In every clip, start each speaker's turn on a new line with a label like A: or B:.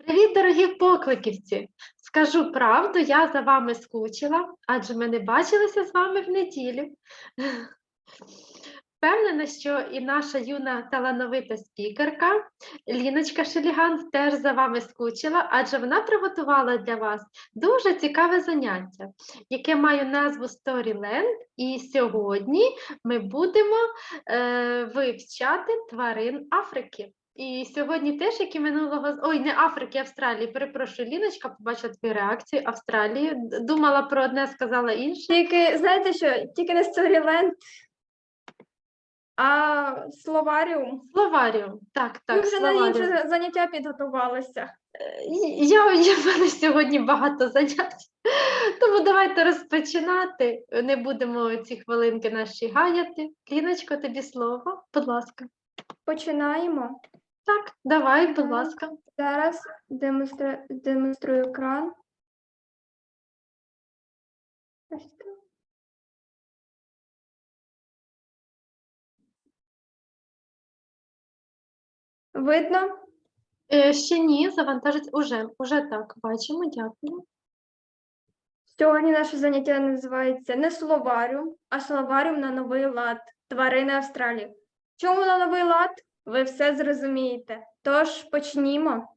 A: Привіт, дорогі покликівці! Скажу правду, я за вами скучила, адже ми не бачилися з вами в неділю. Впевнена, що і наша юна талановита спікерка Ліночка Шеліган теж за вами скучила, адже вона приготувала для вас дуже цікаве заняття, яке має назву Storyland. І сьогодні ми будемо вивчати тварин Африки. І сьогодні теж, як і минулого, ой, не Африки, Австралії, перепрошую, Ліночка, побачила твою реакцію, Австралії, думала про одне, сказала інше.
B: Тільки, знаєте що, тільки не Storyland, а словаріум.
A: Словаріум, так,
B: Ми вже на
A: словаріум.
B: інше заняття підготувалися.
A: В мене сьогодні багато занять, тому давайте розпочинати. Не будемо ці хвилинки наші гаяти. Ліночко, тобі слово, будь ласка.
B: Починаємо.
A: Так, давай, будь ласка.
B: Зараз демонструю екран. Ось так. Видно?
A: Ще ні, завантажить уже так, бачимо, дякую.
B: Сьогодні наше заняття називається не словаріум, а словаріум на новий лад. Тварини Австралії. Чому на новий лад? Ви все зрозумієте. Тож, почнімо.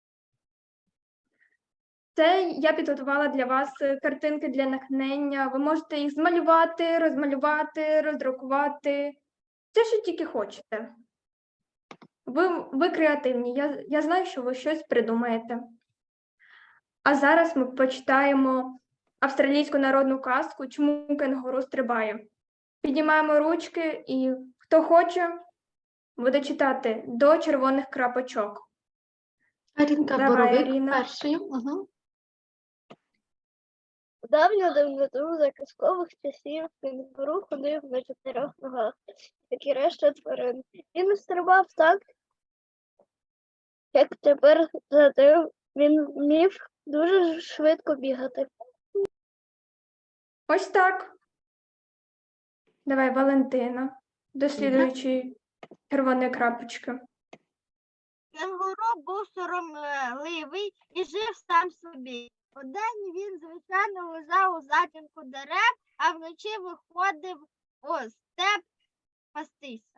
B: Це я підготувала для вас картинки для натхнення. Ви можете їх змалювати, розмалювати, роздрукувати. Все, що тільки хочете. Ви креативні. Я знаю, що ви щось придумаєте. А зараз ми почитаємо австралійську народну казку «Чому кенгуру стрибає». Піднімаємо ручки і хто хоче, буде читати до червоних крапочок.
A: Арінка
B: Давай,
A: Боровик
B: Аріна.
A: першою. Угу.
C: У давню давнину за казкових часів кенгуру ходив на 4 ногах, як і решта тварин. Він стрибав так, як тепер, зате він вмів дуже швидко бігати.
B: Ось так. Давай, Валентина, досліджуючи червоні крапочки.
C: Кенгуру був соромливий і жив сам собі. Удень він, звичайно, лежав у затінку дерев, а вночі виходив у степ пастися.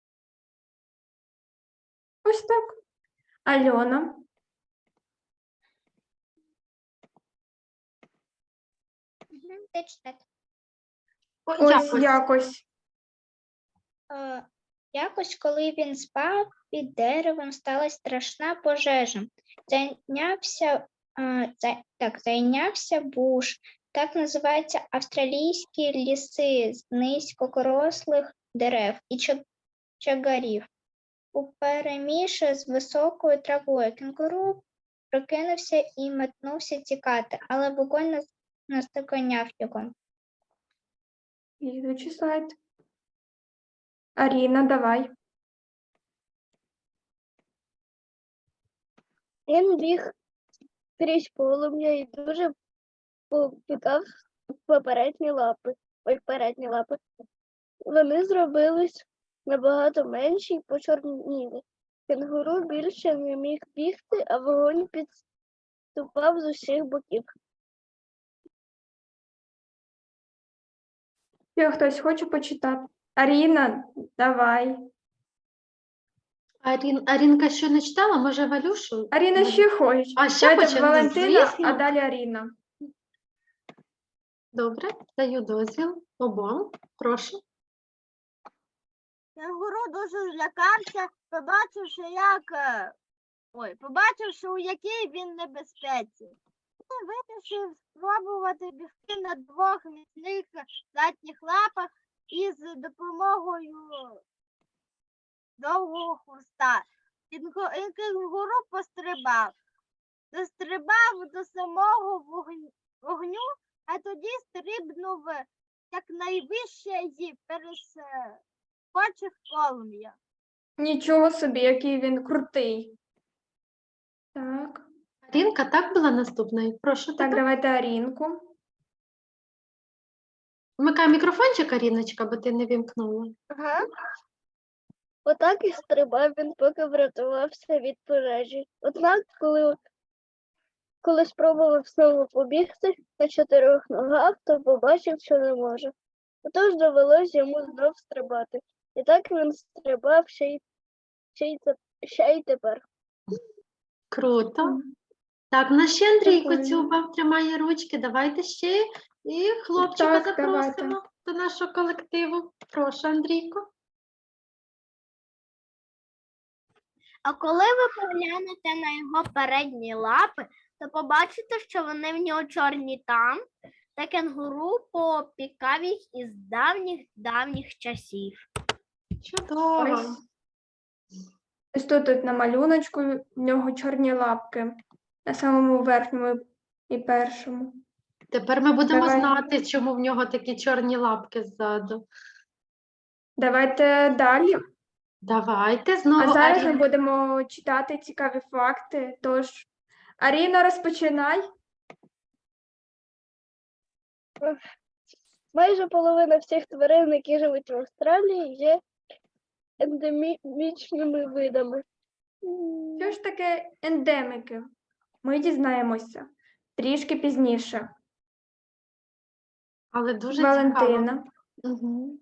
B: Ось так. Альона. Ось якось.
D: Якось, коли він спав, під деревом сталася страшна пожежа. Зайнявся буш. Так називаються австралійські ліси з низькорослих дерев і чагарів. Упереміж з високою травою кенгуру прокинувся і метнувся тікати, але вогонь наздоганяв його.
B: Слідуючий слайд. Аріна, давай.
C: Він біг крізь полум'я і дуже попікав передні лапи. Вони зробились набагато менші й почорніли. Кенгуру більше не міг бігти, а вогонь підступав з усіх боків.
B: Ще хтось хоче почитати? Аріна, давай.
A: Арінка що не читала? Може, Валюшу?
B: Аріна ще хоче.
A: А ще
B: Давайте
A: хоче?
B: Валентина,
A: Звісно.
B: а далі Аріна.
A: Добре, даю дозвіл обом. Прошу.
C: Кенгуру дуже злякався, побачивши, у якій він небезпеці. Він вирішив спробувати бігти на 2 міцних задніх лапах із допомогою довгого хвоста. Кенгуру дострибав до самого вогню, а тоді стрибнув якнайвище і перескочив полум'я.
B: Нічого собі, який він крутий. Так.
A: Арінка, так була наступною? Прошу
B: Так,
A: тебе.
B: давайте Арінку.
A: Вмикай мікрофончик, Аріночка, бо ти не вімкнула.
C: Ага. Отак і стрибав він, поки врятувався від пожежі. Однак, коли Коли спробував знову побігти на 4 ногах, то побачив, що не може. Отож довелось йому знов стрибати. І так він стрибав ще й тепер.
A: Круто. Так, наш ще Андрійко
B: Прикольно.
A: Цюба тримає ручки. Давайте ще і хлопчика
B: Так, давайте.
A: запросимо до нашого колективу. Прошу, Андрійко.
E: А коли ви поглянете на його передні лапи, то побачите, що вони в нього чорні там, та кенгуру попікав їх із давніх часів.
A: Чудово.
B: Ось тут на малюночку в нього чорні лапки. На самому верхньому і першому.
A: Тепер ми будемо
B: Давай.
A: знати, чому в нього такі чорні лапки ззаду.
B: Давайте далі.
A: Давайте
B: А
A: знову
B: зараз ми
A: Аріна.
B: будемо читати цікаві факти. Тож, Аріна, розпочинай.
C: Майже половина всіх тварин, які живуть в Австралії, є ендемічними видами.
B: Що ж таке ендемики? Ми дізнаємося трішки пізніше.
A: Але дуже цікаво.
B: Валентина.
A: Угу.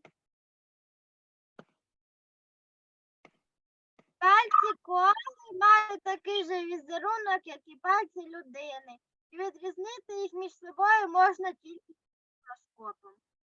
E: Пальці коали мають такий же візерунок, як і пальці людини. І відрізнити їх між собою можна тільки мікроскопом.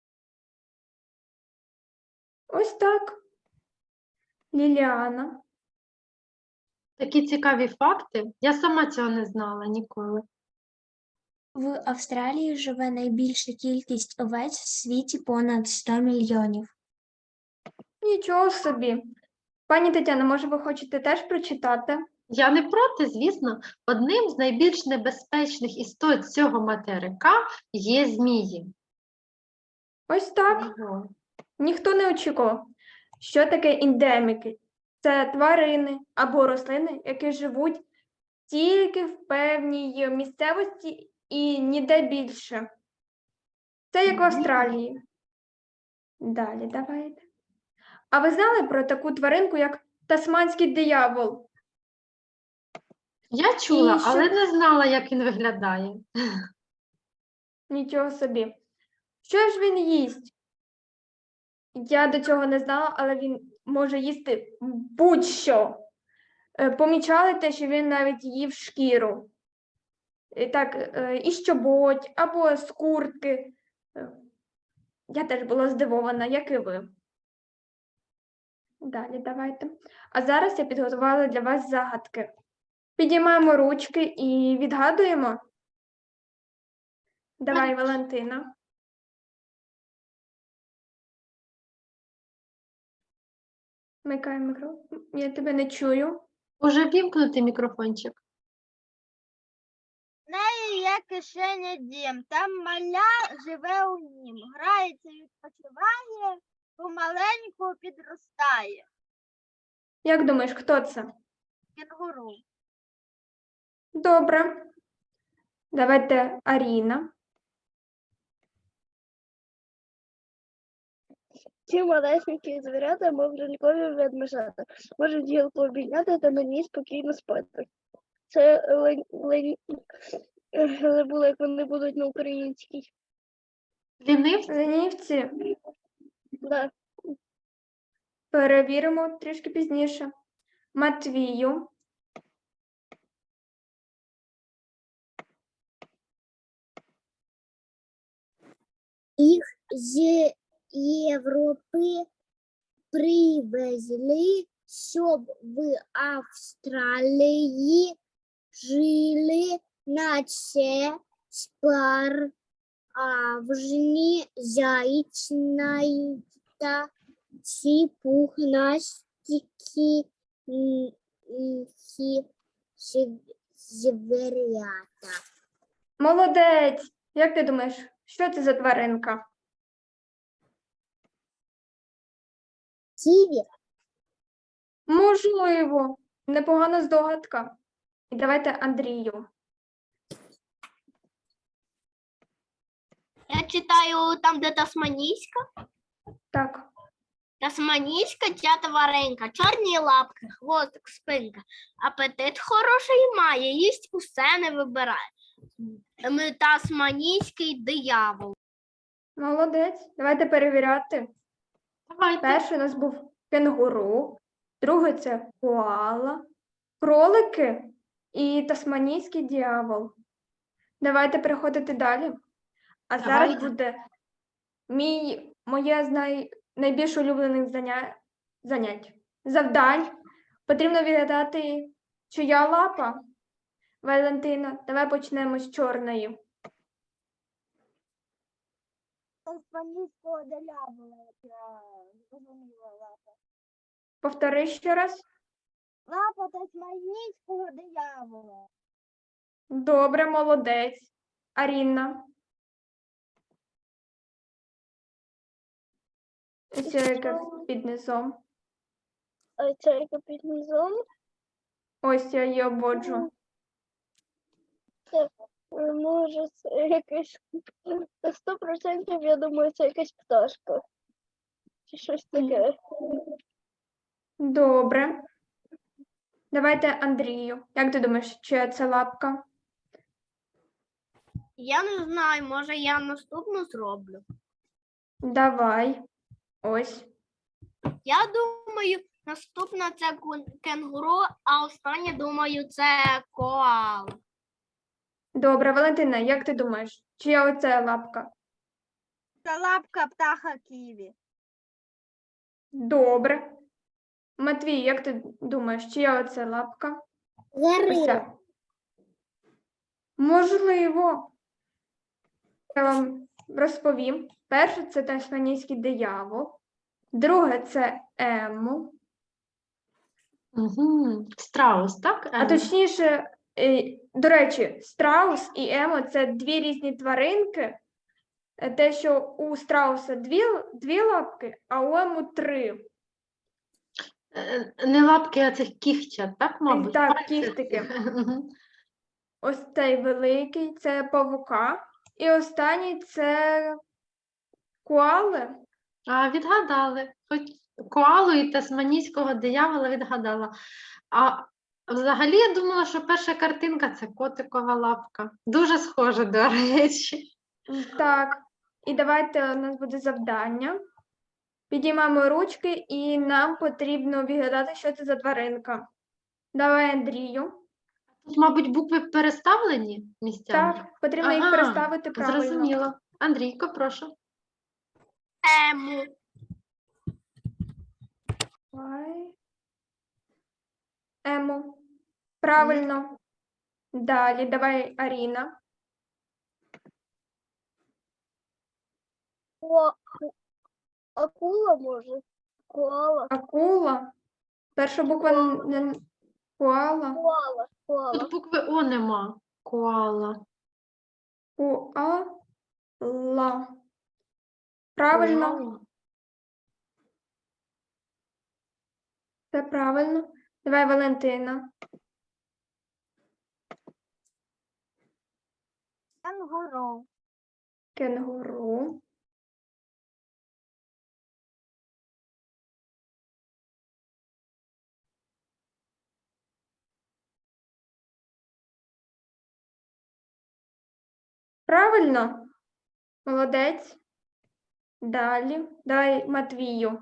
B: Ось так. Ліліана.
A: Такі цікаві факти. Я сама цього не знала ніколи.
F: В Австралії живе найбільша кількість овець в світі понад 100 мільйонів.
B: Нічого собі. Пані Тетяно, може, ви хочете теж прочитати?
A: Я не проти, звісно, одним з найбільш небезпечних істот цього материка є змії.
B: Ось так.
A: Ого.
B: Ніхто не очікував. Що таке ендеміки? Це тварини або рослини, які живуть тільки в певній місцевості і ніде більше. Це як в Австралії. Далі давайте. А ви знали про таку тваринку, як тасманський диявол?
A: Я чула,
B: І що-
A: але не знала, як він виглядає.
B: Нічого собі. Що ж він їсть? Я до цього не знала, але він може їсти будь-що. Помічали те, що він навіть їв шкіру. Так, із чоботь або з куртки. Я теж була здивована, як і ви. Далі давайте. А зараз я підготувала для вас загадки. Підіймаємо ручки і відгадуємо. Давай, Валентина. Вмикай мікрофон. Я тебе не чую.
A: Уже вімкнути мікрофончик.
E: В неї є кишеня дім, там маля живе у нім, грається, відпочиває, помаленьку підростає.
B: Як думаєш, хто це?
E: Кенгуру.
B: Добре. Давайте Аріна.
C: Ці малесенькі звірята, мов лялькові ведмежата, можуть гілку обійняти та на ній спокійно спати. Це забула, як вони будуть на українській.
A: Лінивці?
B: Ленівці.
C: Да.
B: Перевіримо трішки пізніше. Матвію.
D: Їх з Європи привезли, щоб в Австралії жили, наче справжні яйцята, ці пухнастики звірята.
B: Молодець. Як ти думаєш, що це за тваринка?
D: Ківі.
B: Можливо. Непогана здогадка. І давайте Андрію.
E: Я читаю там, де тасманійська.
B: Так.
E: Тасманійська ця тваринка, чорні лапки, хвостик, спинка. Апетит хороший має, їсть усе не вибирає. Тасманійський диявол.
B: Молодець. Давайте перевіряти.
A: Давайте.
B: Перший у нас був кенгуру, другий це коала, кролики і тасманійський дьявол. Давайте переходити далі. А зараз
A: Давайте.
B: буде моє найбільш улюблених занять. Завдань. Потрібно відгадати, чия лапа. Валентина, давай почнемо з чорної.
C: Тасманійського диявола, я зрозуміла лапа.
B: Повтори ще раз.
C: Лапа тасманійського диявола.
B: Добре, молодець. Аріна. Ось яке під низом.
C: А це яка під низом?
B: Ось я її обводжу.
C: Може, це якась 100%, я думаю, це якась пташка. Чи щось таке.
B: Добре. Давайте Андрію. Як ти думаєш, чия це лапка?
E: Я не знаю, може я наступну зроблю.
B: Давай. Ось.
E: Я думаю, наступна це кенгуру, а остання, думаю, це коала.
B: Добре, Валентина, як ти думаєш, чия оце лапка?
C: Це лапка птаха ківі.
B: Добре. Матвій, як ти думаєш, чия оце лапка? Ось ця. Можливо. Я вам розповім. Перше це тасманійський диявол. Друге це ему.
A: Угу. Страус, так?
B: А точніше, до речі, страус і емо – це дві різні тваринки. Те, що у страуса дві лапки, а у ему 3.
A: Не лапки, а цих кігтя, так, мабуть?
B: Так,
A: Пальці.
B: кіхтики.
A: Мгм.
B: Ось цей великий – це павука. І останній – це коали.
A: А, відгадали. Хоч коалу і тасманійського диявола відгадала. А взагалі я думала, що перша картинка – це котикова лапка. Дуже схоже, до речі.
B: Так, і давайте у нас буде завдання. Підіймаємо ручки і нам потрібно відгадати, що це за тваринка. Давай, Андрію.
A: Тут, мабуть, букви переставлені місцями?
B: Так, потрібно їх
A: Ага,
B: переставити правильно.
A: Зрозуміло. Андрійко, прошу.
E: Ему.
B: Давай. Ему. Правильно. Далі, давай, Аріна.
C: Акула, може? Коала.
B: Акула. Перша буква не коала.
C: Коала.
A: Тут букви О нема. Коала.
B: Коала. Правильно.
A: Коала.
B: Це правильно. Давай, Валентина.
C: Кенгуру.
B: Кенгуру. Правильно? Молодець. Далі. Давай, Матвію.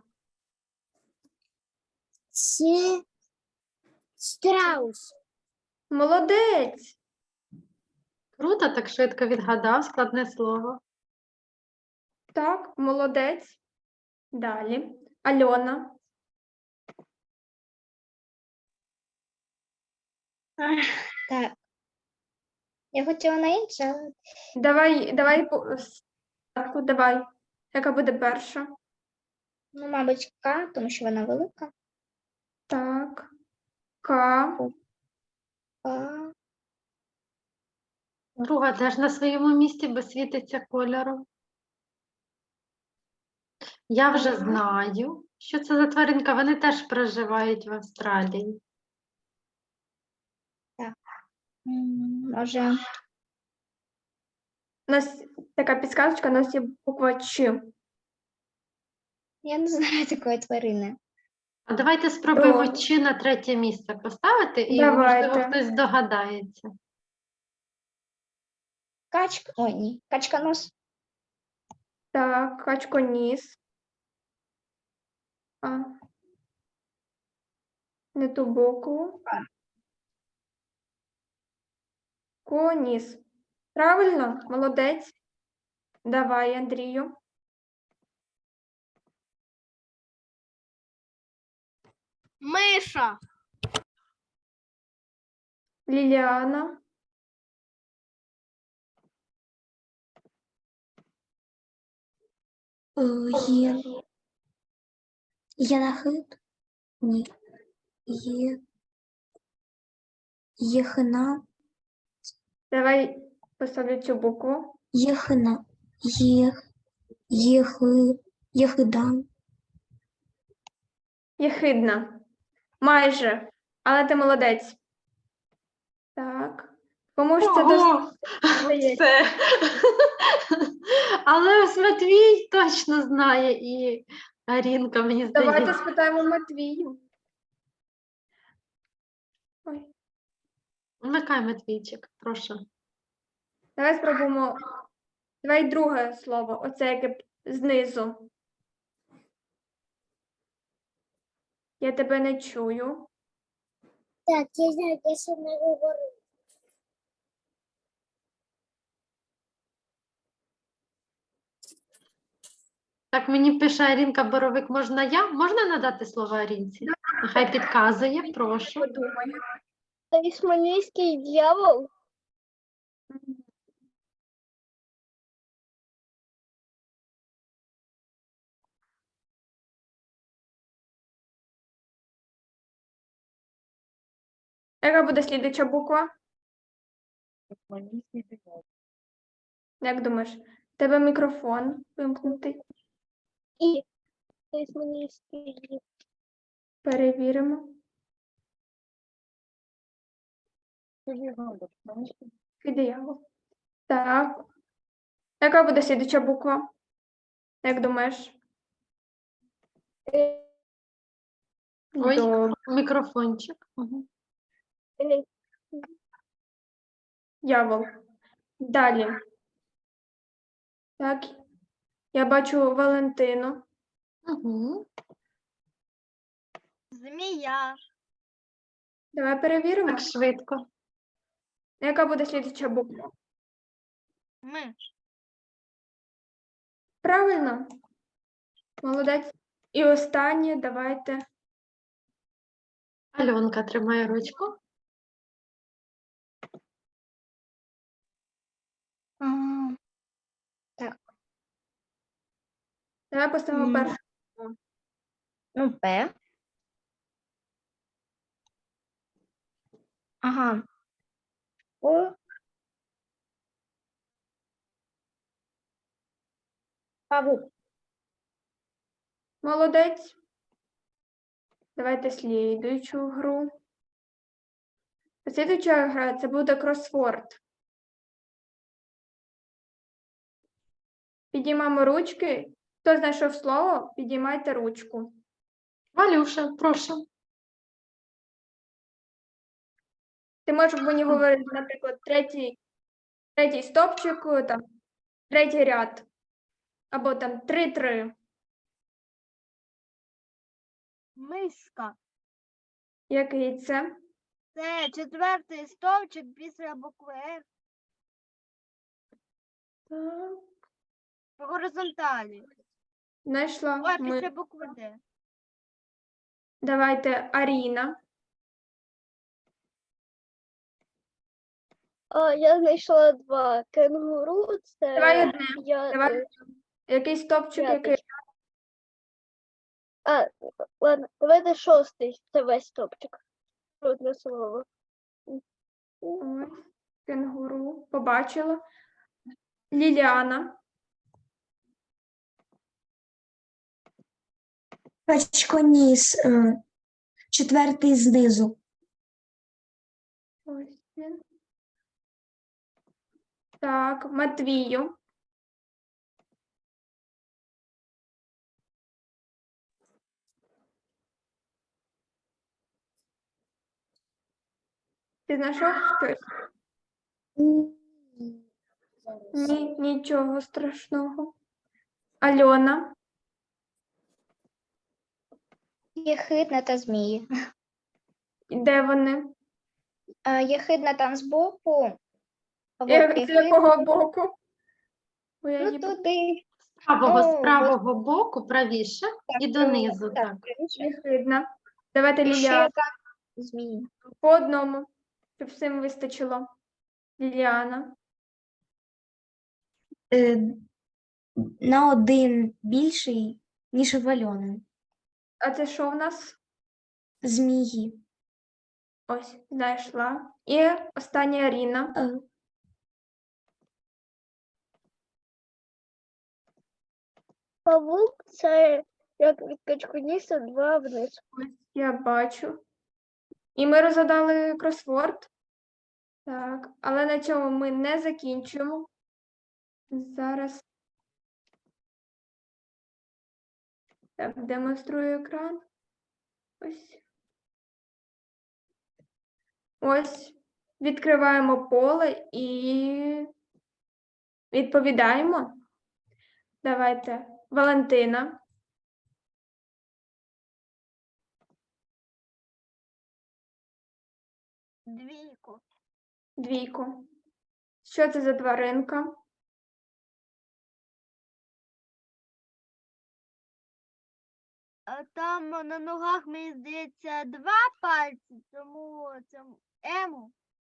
D: Це страус.
B: Молодець.
A: Круто, так швидко відгадав складне слово.
B: Так, молодець. Далі. Альона.
D: Так. Я хотіла на інше, але
B: Давай. Яка буде перша?
D: ну, мабуть, К, тому що вона велика.
B: Так. К.
D: К.
A: Друга теж на своєму місці, бо світиться кольором. Я вже знаю, що це за тваринка. Вони теж проживають в Австралії.
D: Може,
B: У нас така підсказочка, у нас є буква Ч.
D: Я не знаю такої тварини.
A: А давайте спробуємо
B: Добре.
A: чи на третє місце поставити, і, можливо,
B: Давайте.
A: хтось здогадається.
D: Качка. Ой, ні. Качканос.
B: Так, качконіс. А. Не ту букву. Коніс. Правильно? Молодець. Давай, Андрію.
E: Миша.
B: Ліліана.
F: Є. Єнахит? Ні. Єхина.
B: Давай поставлю цю букву.
F: Єхина. Єхидан.
B: Єхидна. Майже. Але ти молодець. Так. Кому ж це
A: Ого!
B: достається?
A: Все. Але ось Матвій точно знає, і Арінка, мені
B: Давайте
A: здається.
B: спитаємо Матвію. Ой.
A: Вмикай, Матвійчик, прошу.
B: Давай спробуємо. Давай друге слово. Оце яке знизу. Я тебе не чую.
C: Так, я знаю, я ще не говорю.
A: Так, мені пише Арінка Боровик, можна я? Можна надати слово Арінці? Нехай підказує, прошу.
B: Подумаю.
C: Тасманійський дьявол.
B: Яка буде слідуюча буква? Як думаєш? В тебе мікрофон вимкнутий.
C: І тасманійський дьявол.
B: Перевіримо. Диявол. Так. Яка буде слідуюча буква? Як думаєш?
A: Ой.
B: Добре.
A: Мікрофончик. Угу.
B: Дьявол. Далі. Так. Я бачу Валентину.
A: Угу.
E: Змія.
B: Давай перевіримо.
A: Так швидко.
B: Яка буде слідуюча буква?
E: Миш.
B: Правильно. Молодець. І останнє, давайте.
A: Альонка тримає ручку.
B: Давай поставимо
D: Мгм.
B: першу.
D: Ну, П. Ага. О. Павук.
B: Молодець. Давайте слідуючу гру. Слідуюча гра це буде кросворд. Підіймаємо ручки. Хто знайшов слово, підіймайте ручку.
A: Валюша, прошу.
B: Ти можеш мені говорити, наприклад, третій стопчик, там, третій ряд. Або там 3-3.
E: Миска.
B: Який це?
E: Це четвертий стовпчик після букви F
B: Так.
E: по горизонталі.
B: Знайшла.
E: Ой,
B: Ми.
E: після букви Д.
B: Давайте Аріна.
C: Я знайшла два. Кенгуру, це
B: Давай одне.
C: я.
B: Давай. Який стопчик,
C: П'ятий.
B: який.
C: Ладно, давайте шостий. Це весь топчик. Одне слово.
B: Ось. Кенгуру. Побачила. Ліліана.
F: Качконіс. Четвертий знизу.
B: Ось він. Так, Матвію. Ти знайшов щось? Ні, нічого страшного. Альона,
D: Єхидна та змії.
B: де вони?
D: Єхидна там збоку, а вовк
B: З
D: єхидний,
B: якого боку? Бо я
D: ну
B: її
D: туди.
A: З
D: Ну,
A: правого боку, правіше, і донизу.
D: Так,
A: Так.
D: правіше.
B: єхидна. Давайте
D: І ще
B: Ліліана
D: там змії.
B: по одному, щоб всім вистачило. Ліліана.
F: На один більший, ніж у Альони.
B: А це що в нас?
F: Змії.
B: Ось, знайшла. І остання Аріна.
F: Е,
C: Павук це як від качкуніса 2 вниз.
B: Ось я бачу. І ми розгадали кросворд. Так, але на цьому ми не закінчуємо. Зараз так, демонструю екран. Ось. Ось. Відкриваємо поле і відповідаємо. Давайте. Валентина.
E: Двійку.
B: Двійку. Що це за тваринка?
E: Там на ногах, мені здається, 2 пальці, тому це ему.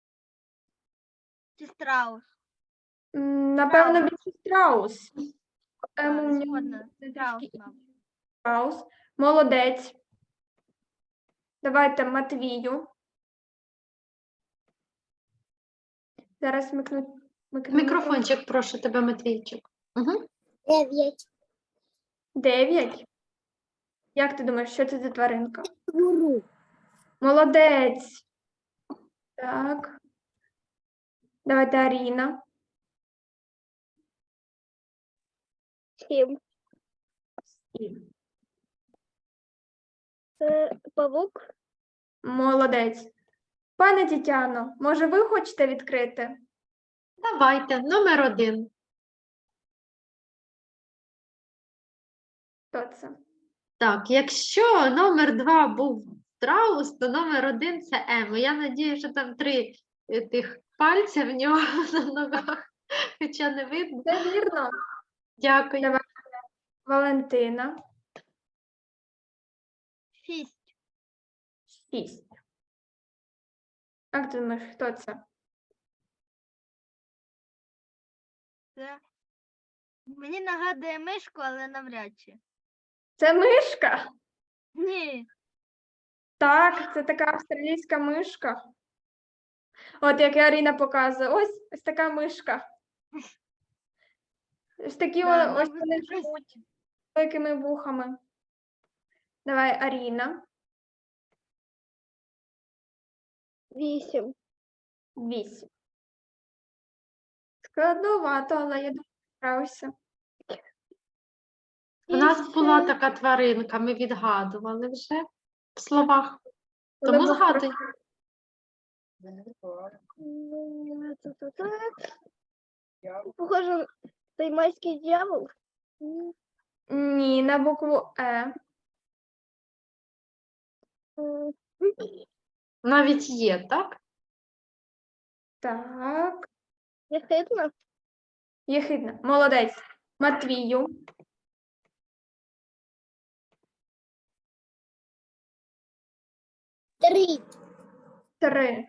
E: Чи страус?
B: Напевно, більше страус.
E: Згодна.
B: Це
E: Страус,
B: трішки
E: мабуть.
B: страус. Молодець. Давайте Матвію. Зараз микну
A: Мікрофончик, прошу тебе, Матвійчик. Угу.
C: 9.
B: 9. Як ти думаєш, що це за тваринка?
C: Гуру.
B: Молодець. Так. Давайте Аріна.
C: 7. Це павук.
B: Молодець. Пане Тетяно, може ви хочете відкрити?
A: Давайте, номер 1.
B: Хто це?
A: Так, якщо номер 2 був страус, то номер 1 це ему. Я надію, що там 3 тих пальця в нього на ногах, хоча не видно.
B: Це вірно.
A: Дякую.
B: Давай. Валентина.
E: 6.
B: 6. Як ти думаєш, хто це?
E: Це мені нагадує мишку, але навряд чи.
B: Це мишка.
E: Ні.
B: Так, це така австралійська мишка. От як і Аріна показує. Ось така мишка. Ось такі
E: Да,
B: ось
E: мабуть,
B: вони
E: це щось-
B: живуть з великими вухами. Давай, Аріна.
C: 8.
B: 8. Складновато, але я думаю, справишся.
A: У нас була така тваринка, ми відгадували вже в словах.
B: Коли
A: Тому
B: був
A: згадуй.
C: Похоже, таймайський дьявол.
B: Ні, на букву Е.
A: Навіть є, так?
B: Так.
C: Єхидна.
B: Єхидна. Молодець. Матвію.
C: 3.
B: 3.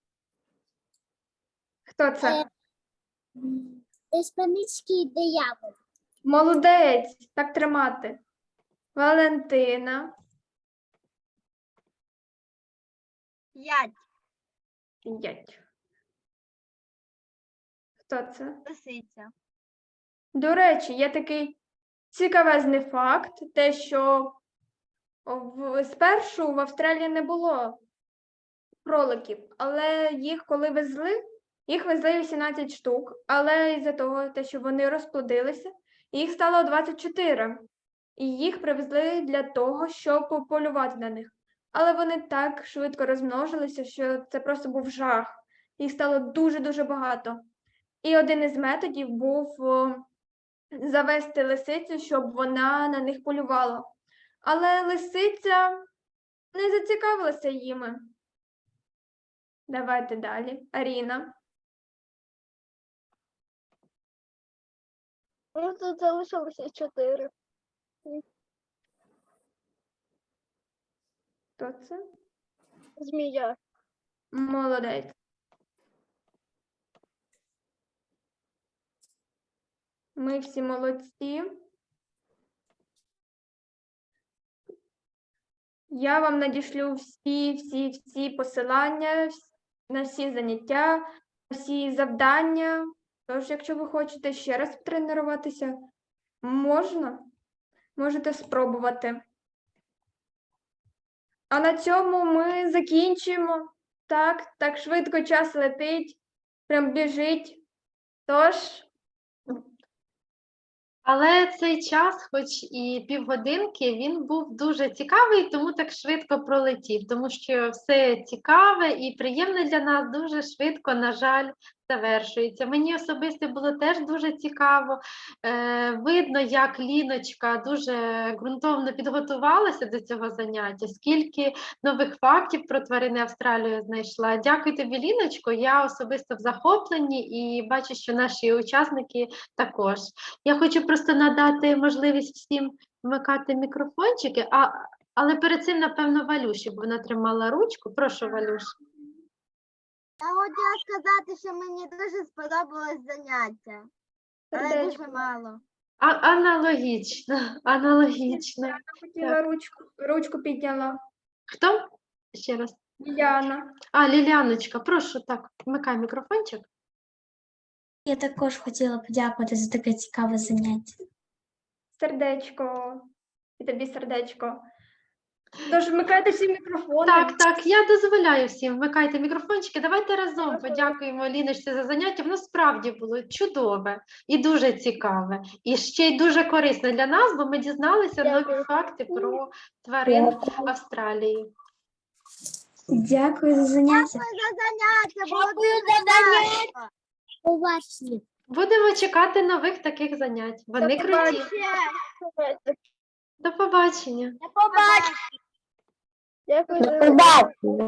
B: Хто це?
C: Іспанський диявол.
B: Молодець. Так тримати. Валентина.
E: 5.
B: 5. Хто це?
E: Лисиця.
B: До речі, є такий цікавезний факт, те, що спершу в Австралії не було кроликів, але їх коли везли, їх везли 18 штук, але із-за того, те, що вони розплодилися, їх стало 24. І їх привезли для того, щоб полювати на них. але вони так швидко розмножилися, що це просто був жах. Їх стало дуже-дуже багато. І один із методів був завести лисицю, щоб вона на них полювала. Але лисиця не зацікавилася їми. Давайте далі. Аріна.
C: Ну, тут залишилося 4.
B: Хто це?
C: Змія.
B: Молодець. Ми всі молодці. Я вам надішлю всі посилання на всі заняття, на всі завдання. Тож, якщо ви хочете ще раз потренуватися, можете спробувати. А на цьому ми закінчимо. Так швидко час летить, прям біжить. Тож,
A: Але цей час, хоч і півгодинки, він був дуже цікавий, тому так швидко пролетів, тому що все цікаве і приємне для нас дуже швидко, на жаль, завершується. Мені особисто було теж дуже цікаво. Видно, як Ліночка дуже ґрунтовно підготувалася до цього заняття, скільки нових фактів про тварини Австралії знайшла. Дякую тобі, Ліночко. Я особисто в захопленні і бачу, що наші учасники також. Я хочу просто надати можливість всім вмикати мікрофончики, але перед цим, напевно, Валюші, бо вона тримала ручку. Прошу, Валюш.
C: Я хотіла сказати, що мені дуже сподобалось заняття. Але
B: сердечко.
C: дуже мало.
A: Аналогічно.
B: Я хотіла ручку підняла.
A: Хто? Ще раз.
B: Діана.
A: Ліліаночка, прошу, так, вмикай мікрофончик.
F: Я також хотіла подякувати за таке цікаве заняття.
B: Сердечко. І тобі сердечко. Тож вмикайте всі мікрофони.
A: Так, я дозволяю всім, вмикайте мікрофончики. Давайте разом подякуємо Ліночці за заняття. Воно справді було чудове і дуже цікаве. І ще й дуже корисне для нас, бо ми дізналися нові
C: Дякую.
A: факти про тварин Австралії.
F: Дякую за заняття.
C: За заняття, було
E: Дякую
C: дуже
E: за заняття.
C: класно.
E: Уважні.
A: Будемо чекати нових таких занять. Вони круті. До побачення.
E: До побачення.
C: Дякую за